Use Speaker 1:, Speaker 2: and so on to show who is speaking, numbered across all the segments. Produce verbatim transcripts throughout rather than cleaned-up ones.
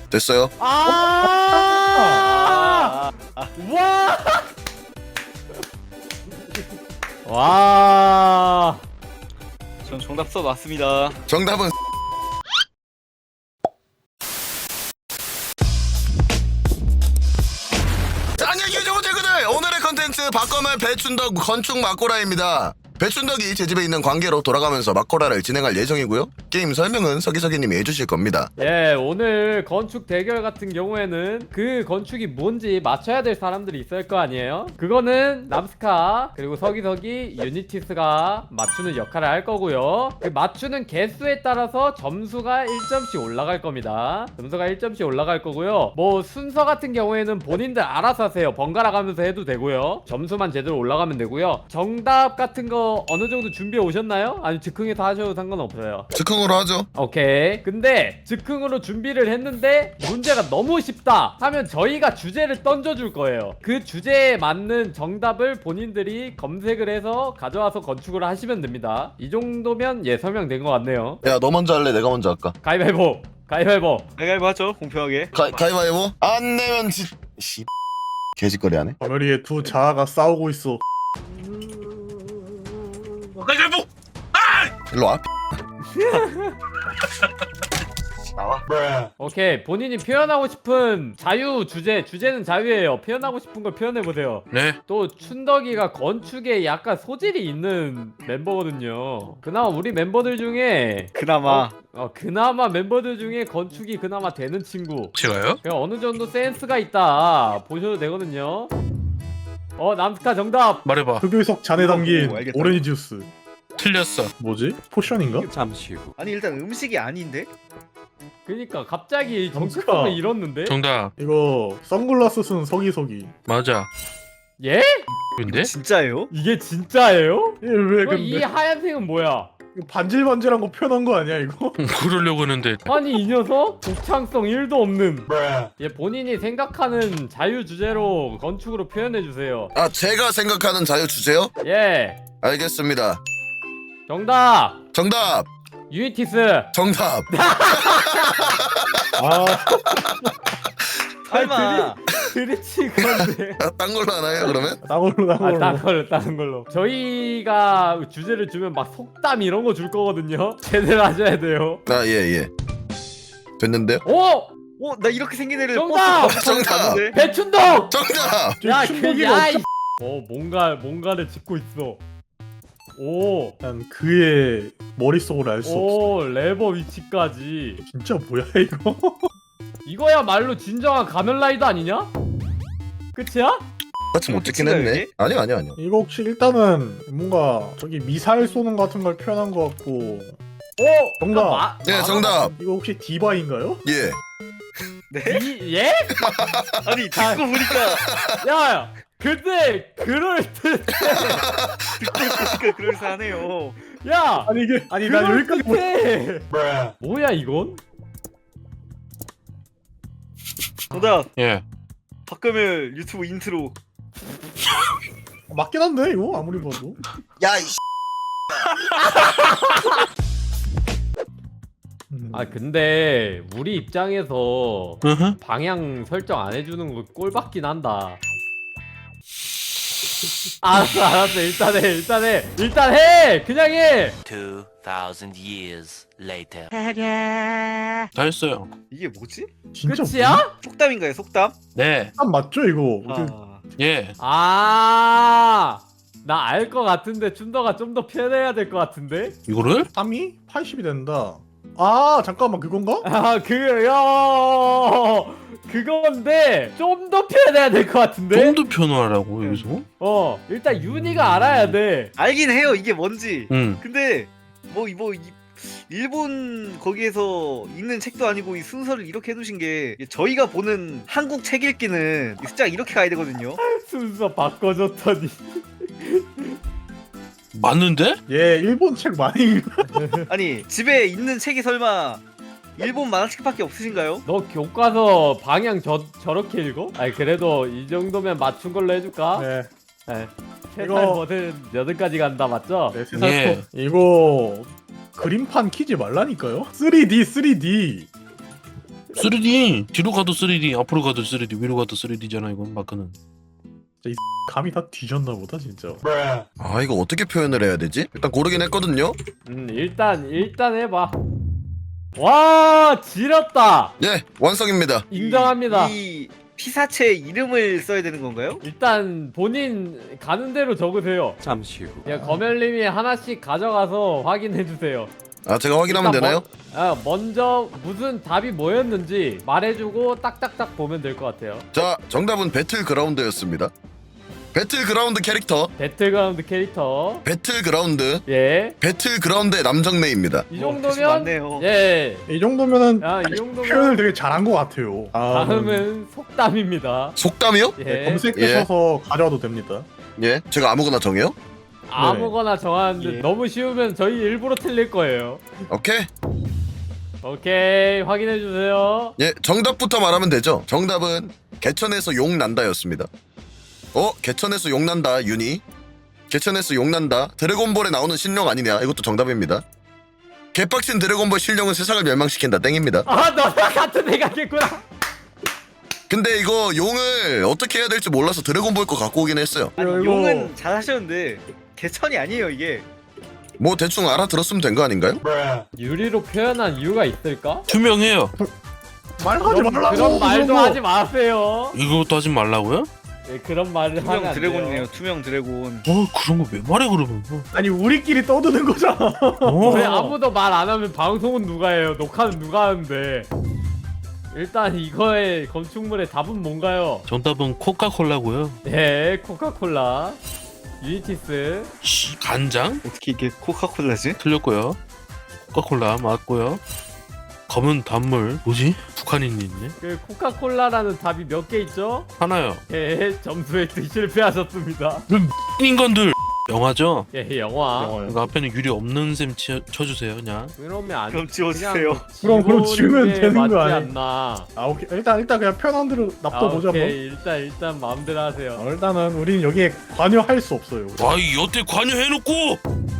Speaker 1: 됐어요.
Speaker 2: 아! 와! 와!
Speaker 3: 전 정답 써놨습니다.
Speaker 1: 정답은 안녕 유저분 친구들, 오늘의 컨텐츠 바꿔말 배춘덕 건축 막고라입니다. 배춘덕이 제 집에 있는 관계로 돌아가면서 막고라를 진행할 예정이고요. 게임 설명은 서기서기님이 해주실 겁니다.
Speaker 2: 예, 오늘 건축 대결 같은 경우에는 그 건축이 뭔지 맞춰야 될 사람들이 있을 거 아니에요? 그거는 남스카 그리고 서기서기 유니티스가 맞추는 역할을 할 거고요. 그 맞추는 개수에 따라서 점수가 일 점씩 올라갈 겁니다. 점수가 일 점씩 올라갈 거고요. 뭐 순서 같은 경우에는 본인들 알아서 하세요. 번갈아 가면서 해도 되고요. 점수만 제대로 올라가면 되고요. 정답 같은 거 어느 정도 준비해 오셨나요? 아니 즉흥에서 하셔도 상관없어요.
Speaker 1: 즉흥으로 하죠.
Speaker 2: 오케이. 근데 즉흥으로 준비를 했는데 문제가 너무 쉽다 하면 저희가 주제를 던져줄 거예요. 그 주제에 맞는 정답을 본인들이 검색을 해서 가져와서 건축을 하시면 됩니다. 이 정도면 예 설명된 것 같네요.
Speaker 1: 야, 너 먼저 할래? 내가 먼저 할까?
Speaker 2: 가위바위보. 가위바위보.
Speaker 3: 가위바위보 하죠, 공평하게.
Speaker 1: 가, 가위바위보? 안 내면 지... 씨... 개짓거리 하네.
Speaker 4: 바늘이에 두 자아가 싸우고 있어.
Speaker 3: 가위바위보!
Speaker 1: 일로 와. 나와.
Speaker 2: 오케이. 본인이 표현하고 싶은 자유 주제. 주제는 자유예요. 표현하고 싶은 걸 표현해보세요.
Speaker 5: 네.
Speaker 2: 또 춘덕이가 건축에 약간 소질이 있는 멤버거든요. 그나마 우리 멤버들 중에
Speaker 3: 그나마.
Speaker 2: 어, 그나마 멤버들 중에 건축이 그나마 되는 친구.
Speaker 5: 제가요?
Speaker 2: 그냥 어느 정도 센스가 있다 보셔도 되거든요. 어, 남스카 정답.
Speaker 5: 말해봐.
Speaker 4: 흑요석 잔에 담긴
Speaker 3: 오, 알겠다.
Speaker 4: 오렌지 주스.
Speaker 5: 틀렸어.
Speaker 4: 뭐지? 포션인가?
Speaker 3: 아니 일단 음식이 아닌데?
Speaker 2: 그니까 갑자기
Speaker 4: 남스카.
Speaker 2: 정체성을 잃었는데.
Speaker 5: 정답.
Speaker 4: 이거 선글라스 쓴 서기서기.
Speaker 5: 맞아.
Speaker 2: 예?
Speaker 5: 근데?
Speaker 3: 진짜예요?
Speaker 2: 이게 진짜예요?
Speaker 4: 예, 왜
Speaker 2: 그럼 이
Speaker 4: 근데
Speaker 2: 하얀색은 뭐야?
Speaker 4: 이거 반질반질한 거 표현한 거 아니야 이거?
Speaker 5: 그러려고 했는데.
Speaker 2: 아니 이 녀석 독창성 일도 없는. 얘 본인이 생각하는 자유 주제로 건축으로 표현해 주세요.
Speaker 1: 아, 제가 생각하는 자유 주제요?
Speaker 2: 예.
Speaker 1: 알겠습니다.
Speaker 2: 정답.
Speaker 1: 정답!
Speaker 2: 유니티스.
Speaker 1: 정답!
Speaker 4: 아,
Speaker 3: 설마.
Speaker 2: 드리치 건데.
Speaker 1: 아, 딴 걸로 하나요 그러면?
Speaker 4: 나걸로
Speaker 2: 아,
Speaker 4: 나걸로.
Speaker 2: 다른 걸로, 다른 걸로. 저희가 주제를 주면 막 속담 이런 거 줄 거거든요. 제대로 하셔야 돼요.
Speaker 1: 아, 예, 예. 됐는데요?
Speaker 2: 오!
Speaker 3: 어, 나 이렇게 생긴 애를
Speaker 2: 정답!
Speaker 3: 버스
Speaker 1: 정답!
Speaker 3: 봤는데.
Speaker 2: 배춘덕!
Speaker 1: 정답!
Speaker 4: 저
Speaker 2: 야,
Speaker 4: 충격이
Speaker 2: 그, 야,
Speaker 4: 없죠?
Speaker 2: 이... 어, 뭔가, 뭔가를 짚고 있어. 오,
Speaker 4: 난 그의 머릿속을 알 수 없어.
Speaker 2: 오, 레버 위치까지.
Speaker 4: 진짜 뭐야 이거?
Speaker 2: 이거야말로 진정한 가면라이더 아니냐? 끝이야?
Speaker 1: 같이 못 찍긴
Speaker 3: 끝인가요,
Speaker 1: 했네.
Speaker 3: 이게?
Speaker 1: 아니요, 아니요, 아니요.
Speaker 4: 이거 혹시 일단은 뭔가 저기 미사일 쏘는 거 같은 걸 표현한 것 같고.
Speaker 2: 오!
Speaker 4: 정답.
Speaker 2: 마,
Speaker 1: 네, 정답.
Speaker 4: 이거 혹시 디바인가요?
Speaker 1: 예.
Speaker 3: 네?
Speaker 2: 이, 예?
Speaker 3: 아니 듣고 보니까
Speaker 2: 야, 야, 근데, 그럴 듯.
Speaker 3: 듣고 보니까 그럴싸하네요.
Speaker 2: 야!
Speaker 4: 아니 이게 아니 난
Speaker 2: 그럴
Speaker 4: 여기까지 못.
Speaker 2: 듯해. 뭐야, 이건?
Speaker 3: 정답.
Speaker 5: 예.
Speaker 3: 박금일 유튜브 인트로.
Speaker 4: 맞긴 한데 이거 아무리 봐도.
Speaker 1: 야, 이
Speaker 4: 음.
Speaker 2: 아, 근데, 우리 입장에서
Speaker 5: 으흠.
Speaker 2: 방향 설정 안 해주는 거 꼴받긴 한다. 알았어, 알았어. 일단 해, 일단 해. 일단 해! 그냥 해!
Speaker 6: Two thousand years later.
Speaker 5: 다 했어요.
Speaker 3: 이게 뭐지?
Speaker 4: 진짜
Speaker 2: 끝이야?
Speaker 3: 속담인가요, 속담?
Speaker 5: 네.
Speaker 4: 아 맞죠 이거?
Speaker 3: 아,
Speaker 5: 예.
Speaker 2: 아, 나 알 것 같은데 춘더가 좀 더 표현해야 될 것 같은데?
Speaker 5: 이거를?
Speaker 4: 삼이 팔십이 된다. 아 잠깐만 그건가?
Speaker 2: 아, 그, 야, 그건데 좀 더 표현해야 될 것 같은데?
Speaker 5: 좀 더 표현하라고 여기서?
Speaker 2: 어, 일단 윤희가 알아야 돼.
Speaker 3: 알긴 해요, 이게 뭔지.
Speaker 5: 응.
Speaker 3: 근데 뭐 이뭐 일본 거기에서 읽는 책도 아니고 이 순서를 이렇게 해두신 게 저희가 보는 한국 책 읽기는 이 숫자가 이렇게 가야 되거든요.
Speaker 2: 순서 바꿔줬더니.
Speaker 5: 맞는데?
Speaker 4: 얘 일본 책 많이 읽.
Speaker 3: 아니 집에 있는 책이 설마 일본 만화책밖에 없으신가요?
Speaker 2: 너 교과서 방향 저, 저렇게 읽어? 아니, 그래도 이 정도면 맞춘 걸로 해줄까?
Speaker 4: 네.
Speaker 2: 네. 세살
Speaker 4: 이거-
Speaker 2: 뭐든 여든까지 간다, 맞죠?
Speaker 4: 네, 세상
Speaker 5: 예.
Speaker 4: 이거 그림판 키지 말라니까요? 쓰리디 쓰리디
Speaker 5: 쓰리디 뒤로 가도 쓰리디 앞으로 가도 쓰리디 위로 가도 쓰리디잖아 이건 마크는.
Speaker 4: 감이 다 뒤졌나 보다 진짜.
Speaker 1: 아 이거 어떻게 표현을 해야 되지? 일단 고르긴 했거든요.
Speaker 2: 음 일단 일단 해봐. 와 지렸다.
Speaker 1: 예 완성입니다.
Speaker 2: 인정합니다.
Speaker 3: 이 피사체 이름을 써야 되는 건가요?
Speaker 2: 일단 본인 가는 대로 적으세요.
Speaker 6: 잠시 후.
Speaker 2: 야 거멜님이 하나씩 가져가서 확인해 주세요.
Speaker 1: 아 제가 확인하면
Speaker 2: 일단
Speaker 1: 되나요?
Speaker 2: 먼, 아, 먼저 무슨 답이 뭐였는지 말해주고 딱딱딱 보면 될 것 같아요.
Speaker 1: 자 정답은 배틀그라운드였습니다. 배틀그라운드 캐릭터
Speaker 2: 배틀그라운드 캐릭터.
Speaker 1: 배틀그라운드
Speaker 2: 예.
Speaker 1: 배틀그라운드의 남정네입니다.
Speaker 2: 이
Speaker 3: 어,
Speaker 2: 정도면
Speaker 3: 뜻이 많네요.
Speaker 2: 예.
Speaker 4: 이 정도면은
Speaker 2: 야, 이 정도면
Speaker 4: 표현을 되게 잘한 것 같아요. 아,
Speaker 2: 다음은 속담입니다.
Speaker 1: 속담이요?
Speaker 2: 예.
Speaker 4: 네, 검색하셔서 가져와도 됩니다.
Speaker 1: 예 제가 아무거나 정해요?
Speaker 2: 아무거나 정하는데
Speaker 3: 예.
Speaker 2: 너무 쉬우면 저희 일부러 틀릴 거예요.
Speaker 1: 오케이.
Speaker 2: 오케이 확인해 주세요.
Speaker 1: 예 정답부터 말하면 되죠. 정답은 개천에서 욕 난다였습니다. 어 개천에서 욕 난다 윤희. 개천에서 욕 난다. 드래곤볼에 나오는 신령 아니냐? 이것도 정답입니다. 개빡친 드래곤볼 신령은 세상을 멸망시킨다 땡입니다.
Speaker 2: 아 너랑 같은 생각했구나.
Speaker 1: 근데 이거 용을 어떻게 해야 될지 몰라서 드래곤볼 거 갖고 오긴 했어요.
Speaker 3: 아니
Speaker 4: 이거-
Speaker 3: 용은 잘 하셨는데 개천이 아니에요 이게.
Speaker 1: 뭐 대충 알아들었으면 된 거 아닌가요?
Speaker 2: 유리로 표현한 이유가 있을까?
Speaker 5: 투명해요.
Speaker 4: 말하지
Speaker 2: 그런,
Speaker 4: 말라고.
Speaker 2: 그런 말도
Speaker 4: 그런 거.
Speaker 2: 하지 마세요.
Speaker 5: 이것도 하지 말라고요?
Speaker 2: 예, 그런 말을 하면
Speaker 3: 투명
Speaker 2: 안
Speaker 3: 드래곤이네요.
Speaker 2: 돼요.
Speaker 3: 투명 드래곤.
Speaker 5: 어 그런 거 왜 말해 그러면?
Speaker 4: 아니 우리끼리 떠드는 거잖아.
Speaker 5: 어.
Speaker 2: 왜 아무도 말 안 하면 방송은 누가 해요? 녹화는 누가 하는데? 일단 이거의 건축물의 답은 뭔가요?
Speaker 5: 정답은 코카콜라고요.
Speaker 2: 네, 코카콜라, 유니티스.
Speaker 5: 씨 간장?
Speaker 3: 어떻게 이게 코카콜라지?
Speaker 5: 틀렸고요. 코카콜라 맞고요. 검은 단물 뭐지? 북한인이 있네.
Speaker 2: 그 코카콜라라는 답이 몇 개 있죠?
Speaker 5: 하나요.
Speaker 2: 예, 점수 획득 실패하셨습니다.
Speaker 5: 인간들 영화죠?
Speaker 2: 예, 영화.
Speaker 4: 영화요.
Speaker 5: 그 앞에는 유리 없는 셈 치, 쳐주세요 그냥.
Speaker 2: 그러면 안.
Speaker 3: 그럼 지워주세요.
Speaker 2: 그냥
Speaker 4: 그럼- 그럼 지우면
Speaker 2: 게
Speaker 4: 되는 거
Speaker 2: 맞지
Speaker 4: 아니에요?
Speaker 2: 않나?
Speaker 4: 아 오케이 일단 일단 그냥 편한 대로
Speaker 2: 아,
Speaker 4: 납둬보자 뭐.
Speaker 2: 오케이, 일단 일단 마음대로 하세요.
Speaker 4: 어, 일단은 우린 여기에 관여할 수 없어요.
Speaker 5: 와이 여태 관여해놓고.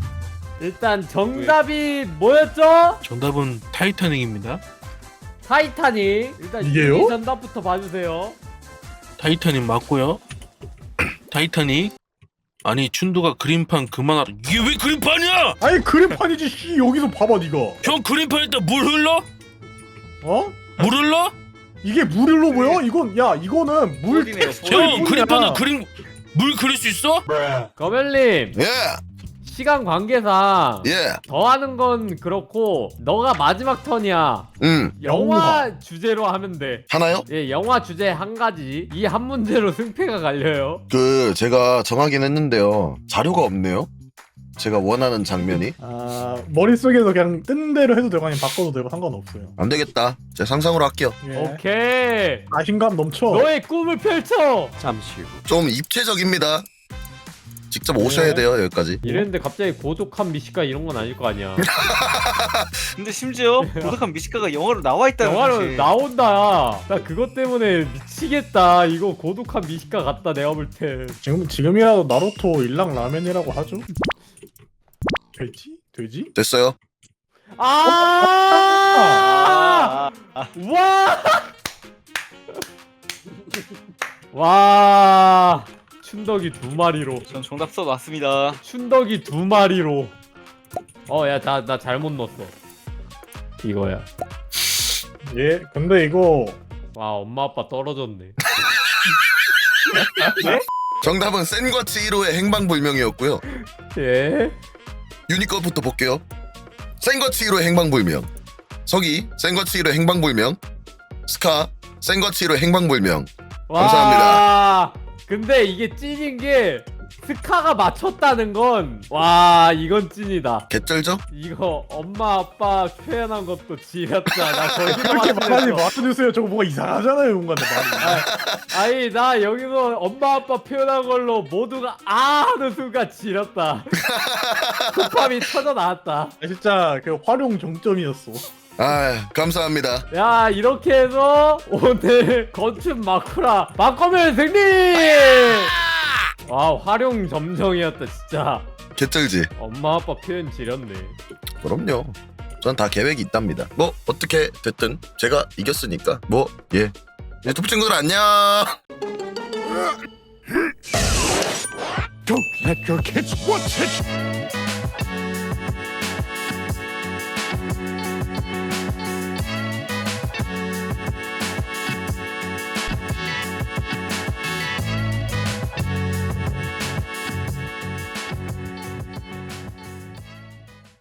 Speaker 2: 일단 정답이 뭐였죠?
Speaker 5: 정답은 타이타닉입니다.
Speaker 2: 타이타닉. 일단
Speaker 4: 이게요?
Speaker 2: 이 정답부터 봐주세요.
Speaker 5: 타이타닉 맞고요. 타이타닉. 아니 춘두가 그림판 그만하라. 이게 왜 그림판이야?
Speaker 4: 아니 그림판이지. 씨 여기서 봐봐 네가.
Speaker 5: 형 그림판에다 물 흘러?
Speaker 4: 어?
Speaker 5: 물 흘러?
Speaker 4: 이게 물 흘러 보여? 이건 야 이거는 물
Speaker 3: 폴이네요,
Speaker 4: 텍스처일
Speaker 3: 폴.
Speaker 5: 형
Speaker 4: 뿐이야.
Speaker 5: 그림판에 그림 물 그릴 수 있어?
Speaker 2: 거멜님
Speaker 1: 예
Speaker 2: 시간 관계상
Speaker 1: 예.
Speaker 2: 더 하는 건 그렇고 너가 마지막 턴이야.
Speaker 1: 음
Speaker 2: 영화
Speaker 4: 영화.
Speaker 2: 주제로 하면 돼.
Speaker 1: 하나요?
Speaker 2: 예, 영화 주제 한 가지. 이 한 문제로 승패가 갈려요.
Speaker 1: 그 제가 정하긴 했는데요. 자료가 없네요. 제가 원하는 장면이
Speaker 4: 아 머릿속에서 그냥 뜬 대로 해도 되고 아니면 바꿔도 되고 상관없어요.
Speaker 1: 안 되겠다. 제 상상으로 할게요.
Speaker 4: 예.
Speaker 2: 오케이.
Speaker 4: 자신감 넘쳐.
Speaker 2: 너의 꿈을 펼쳐.
Speaker 6: 잠시 후.
Speaker 1: 좀 입체적입니다. 직접 오셔야
Speaker 4: 네.
Speaker 1: 돼요 여기까지.
Speaker 2: 이랬는데 갑자기 고독한 미식가 이런 건 아닐 거 아니야.
Speaker 3: 근데 심지어 고독한 미식가가 영화로 나와 있다는
Speaker 2: 영화로
Speaker 3: 사실.
Speaker 2: 나온다. 나 그것 때문에 미치겠다. 이거 고독한 미식가 같다. 내가 볼 때.
Speaker 4: 지금 지금이라도 나루토 일랑 라면이라고 하죠? 되지? 되지?
Speaker 1: 됐어요.
Speaker 2: 아!
Speaker 3: 아, 아,
Speaker 2: 와! 와! 춘덕이 두 마리로.
Speaker 3: 전 정답 써놨습니다.
Speaker 2: 춘덕이 두 마리로. 어, 야, 나, 나 잘못 넣었어. 이거야.
Speaker 4: 예. 근데 이거
Speaker 2: 와, 엄마 아빠 떨어졌네.
Speaker 1: 정답은 센과 치히로의 행방불명이었고요.
Speaker 2: 예?
Speaker 1: 유니컷부터 볼게요. 센과 치히로의 행방불명. 서기 센과 치히로의 행방불명. 스카 센과 치히로의 행방불명.
Speaker 2: 와,
Speaker 1: 감사합니다.
Speaker 2: 근데 이게 찐인 게 스카가 맞췄다는 건 와, 이건 찐이다.
Speaker 1: 개쩔죠?
Speaker 2: 이거 엄마 아빠 표현한 것도 지렸다. 나 거기서
Speaker 4: 그렇게 말하지
Speaker 2: 맞추겠어.
Speaker 4: 마주세요. 저거 뭐가 이상하잖아요, 뭔가 말이.
Speaker 2: 아니 나 여기서 엄마 아빠 표현한 걸로 모두가 아 하는 순간 지렸다. 쿠팝이 터져 나왔다.
Speaker 4: 아, 진짜 그 활용 정점이었어.
Speaker 1: 아 감사합니다.
Speaker 2: 야 이렇게 해서 오늘 건축 마쿠라 바꿔면 승리. 와 활용 점정이었다 진짜.
Speaker 1: 개쩔지?
Speaker 2: 엄마 아빠 표현 지렸네.
Speaker 1: 그럼요. 전 다 계획이 있답니다. 뭐 어떻게 됐든 제가 이겼으니까 뭐 예. 유튜브 친구들 안녕.
Speaker 7: Don't let your kids watch it!